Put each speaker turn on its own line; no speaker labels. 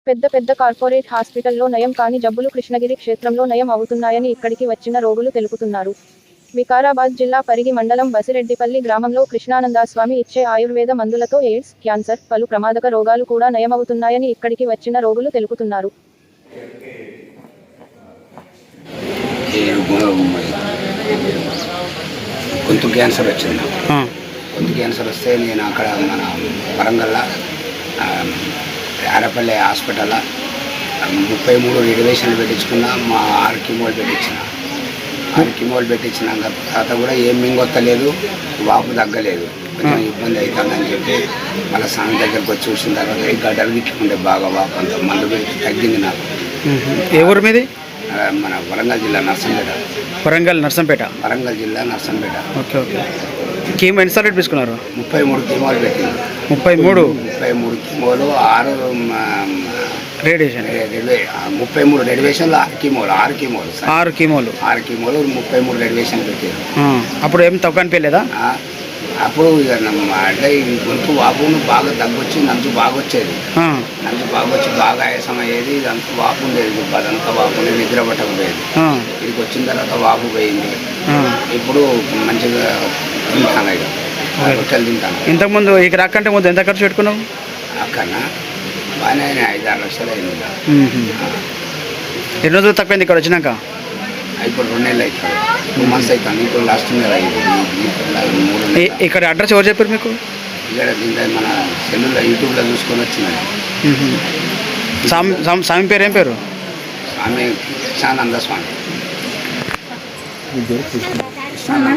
పెద్ద పెద్ద కార్పొరేట్ హాస్పిటల్లో నయం కాని జబ్బులు కృష్ణగిరి క్షేత్రంలో నయం అవుతున్నాయని ఇక్కడికి వచ్చిన రోగులు తెలుపుతున్నారు. వికారాబాద్ జిల్లా పరిగి మండలం బసిరెడ్డిపల్లి గ్రామంలో కృష్ణానందస్వామి ఇచ్చే ఆయుర్వేద మందులతో ఎయిడ్స్, క్యాన్సర్, పలు ప్రమాదక రోగాలు కూడా నయమవుతున్నాయని ఇక్కడికి వచ్చిన రోగులు తెలుపుతున్నారు.
గొంతు క్యాన్సర్ వచ్చింది. గొంతు క్యాన్సర్ వస్తే నేను అక్కడ మన వరంగల్లో ఆరపల్లి హాస్పిటల్లో 33 రిజర్వేషన్లు పెట్టించుకున్నా. మా 6 కీమోలు పెట్టించినాక తర్వాత కూడా ఏం మింగొత్తలేదు, వాపు తగ్గలేదు, కొంచెం ఇబ్బంది అవుతుందని చెప్పి మళ్ళీ స్వామి దగ్గరకు వచ్చి చూసిన తర్వాత ఈ గడ్డలు గిట్టుకుంటే బాగా వాపు అంత మందు పెట్టి తగ్గింది నాకు.
ఏ ఊరు మీది?
మన వరంగల్ జిల్లా నర్సంపేట. వరంగల్ జిల్లా నర్సంపేట.
Okay okay. కీమో ఎన్నిసార్లు తీసుకున్నారు?
33 కీమోలు పెట్టింది.
33
కీమోలు, 6
రేడియేషన్,
33 రేడియేషన్లు, 6 కీమోలు 33 రేడియేషన్ పెట్టారు.
అప్పుడు ఏం తక్కువ అనిపించలేదా?
అప్పుడు ఇక అంటే ఈ గొంతు వాపును బాగా తగ్గొచ్చి నంచు బాగా వచ్చేది. నంచు బాగా వచ్చి బాగా ఆయాసం అయ్యేది. ఇదంతా వాపు ఉండేది, అదంతా వాపు నిద్ర పట్టకపోయేది. ఇక్కడికి వచ్చిన తర్వాత వాపు పోయింది. ఇప్పుడు మంచిగా తింటాను, ఇక రొట్టెలు తింటాను.
ఇంతకుముందు ఇక రాకంటే ముందు ఎంత ఖర్చు పెట్టుకున్నావు?
అక్కడ బాగానే 5-6 లక్షలు అయింది.
ఎన్ని రోజులు తక్కువైంది ఇక్కడ వచ్చినాక?
ఇప్పుడు 2 నెలలు అవుతుంది, 2 months అవుతుంది. ఇప్పుడు లాస్ట్ నెల అయింది. 3 నెలలు.
ఇక్కడ అడ్రస్ ఎవరు చెప్పారు మీకు?
ఇక్కడ మన సెల్లులో యూట్యూబ్లో చూసుకొని వచ్చింది.
స్వామి పేరు ఏం పేరు?
స్వామి కృష్ణానంద స్వామి.